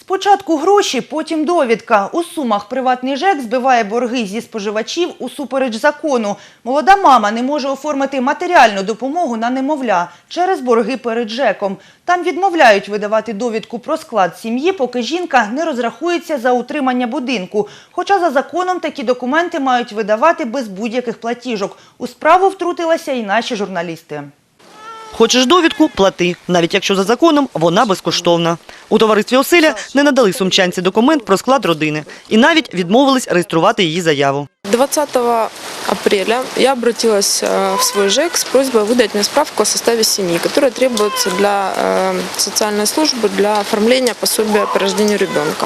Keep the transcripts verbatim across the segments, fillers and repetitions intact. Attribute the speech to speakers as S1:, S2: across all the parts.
S1: Спочатку гроші, потім довідка. У Сумах приватний ЖЕК збиває борги зі споживачів усупереч закону. Молода мама не може оформити матеріальну допомогу на немовля через борги перед ЖЕКом. Там відмовляють видавати довідку про склад сім'ї, поки жінка не розрахується за утримання будинку. Хоча за законом такі документи мають видавати без будь-яких платіжок. У справу втрутилися і наші журналісти.
S2: Хочеш довідку – плати, навіть якщо за законом вона безкоштовна. У товаристві «Оселя» не надали сумчанці документ про склад родини і навіть відмовились реєструвати її заяву.
S3: двадцатого апреля я обратилась в свой ЖЭК с просьбой выдать мне справку о составе семьи, которая требуется для социальной службы для оформления пособия по рождению ребенка.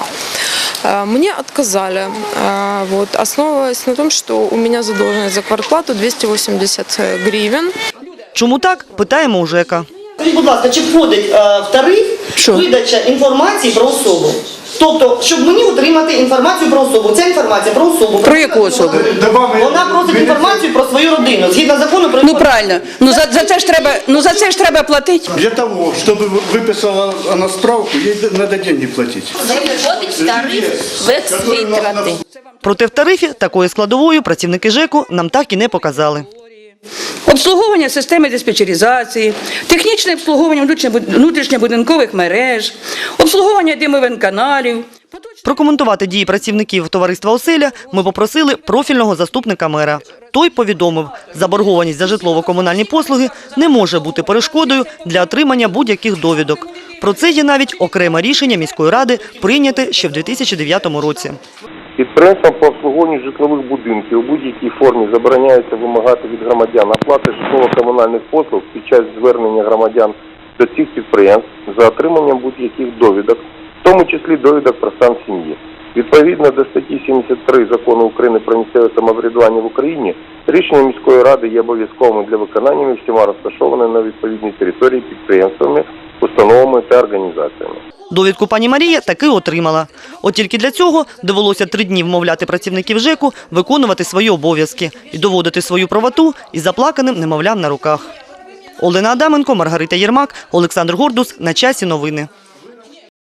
S3: Мне отказали, вот, основываясь на том, что у меня задолженность за квартплату двести восемьдесят гривен.
S2: Чому так? Питаємо у ЖЕКа. Скажіть, будь ласка, чи входить е, в тариф Що? видача інформації про особу? Тобто, щоб мені отримати інформацію про особу. Ця інформація про особу.
S4: Про яку особу?
S2: Вона просить інформацію про свою родину, згідно закону про
S4: Ну правильно. Ну за, за це ж треба, ну за це ж треба платити.
S5: Для того, чтобы выписала она справку, ей надо деньги платить.
S6: Входить в тариф витрати.
S2: Проте в тарифі такої складової працівники ЖЕКу нам так і не показали.
S4: Обслуговування системи диспетчеризації, технічне обслуговування внутрішньобудинкових мереж, обслуговування димових-каналів.
S2: Прокоментувати дії працівників товариства «Оселя» ми попросили профільного заступника мера. Той повідомив, заборгованість за житлово-комунальні послуги не може бути перешкодою для отримання будь-яких довідок. Про це є навіть окреме рішення міської ради, прийняте ще в дві тисячі дев'ятому році.
S7: Підприємствам по обслуговуванню житлових будинків у будь-якій формі забороняється вимагати від громадян оплати житлово-комунальних послуг під час звернення громадян до цих підприємств за отриманням будь-яких довідок, в тому числі довідок про стан сім'ї. Відповідно до статті сімдесят три Закону України про місцеве самоврядування в Україні, рішення міської ради є обов'язковими для виконання і всіма розташованими на відповідній території підприємствами, установами та організаціями.
S2: Довідку пані Марія таки отримала. От тільки для цього довелося три дні вмовляти працівників ЖЕКу виконувати свої обов'язки і доводити свою правоту із заплаканим немовлям на руках. Олена Адаменко, Маргарита Єрмак, Олександр Гордус. На часі новини.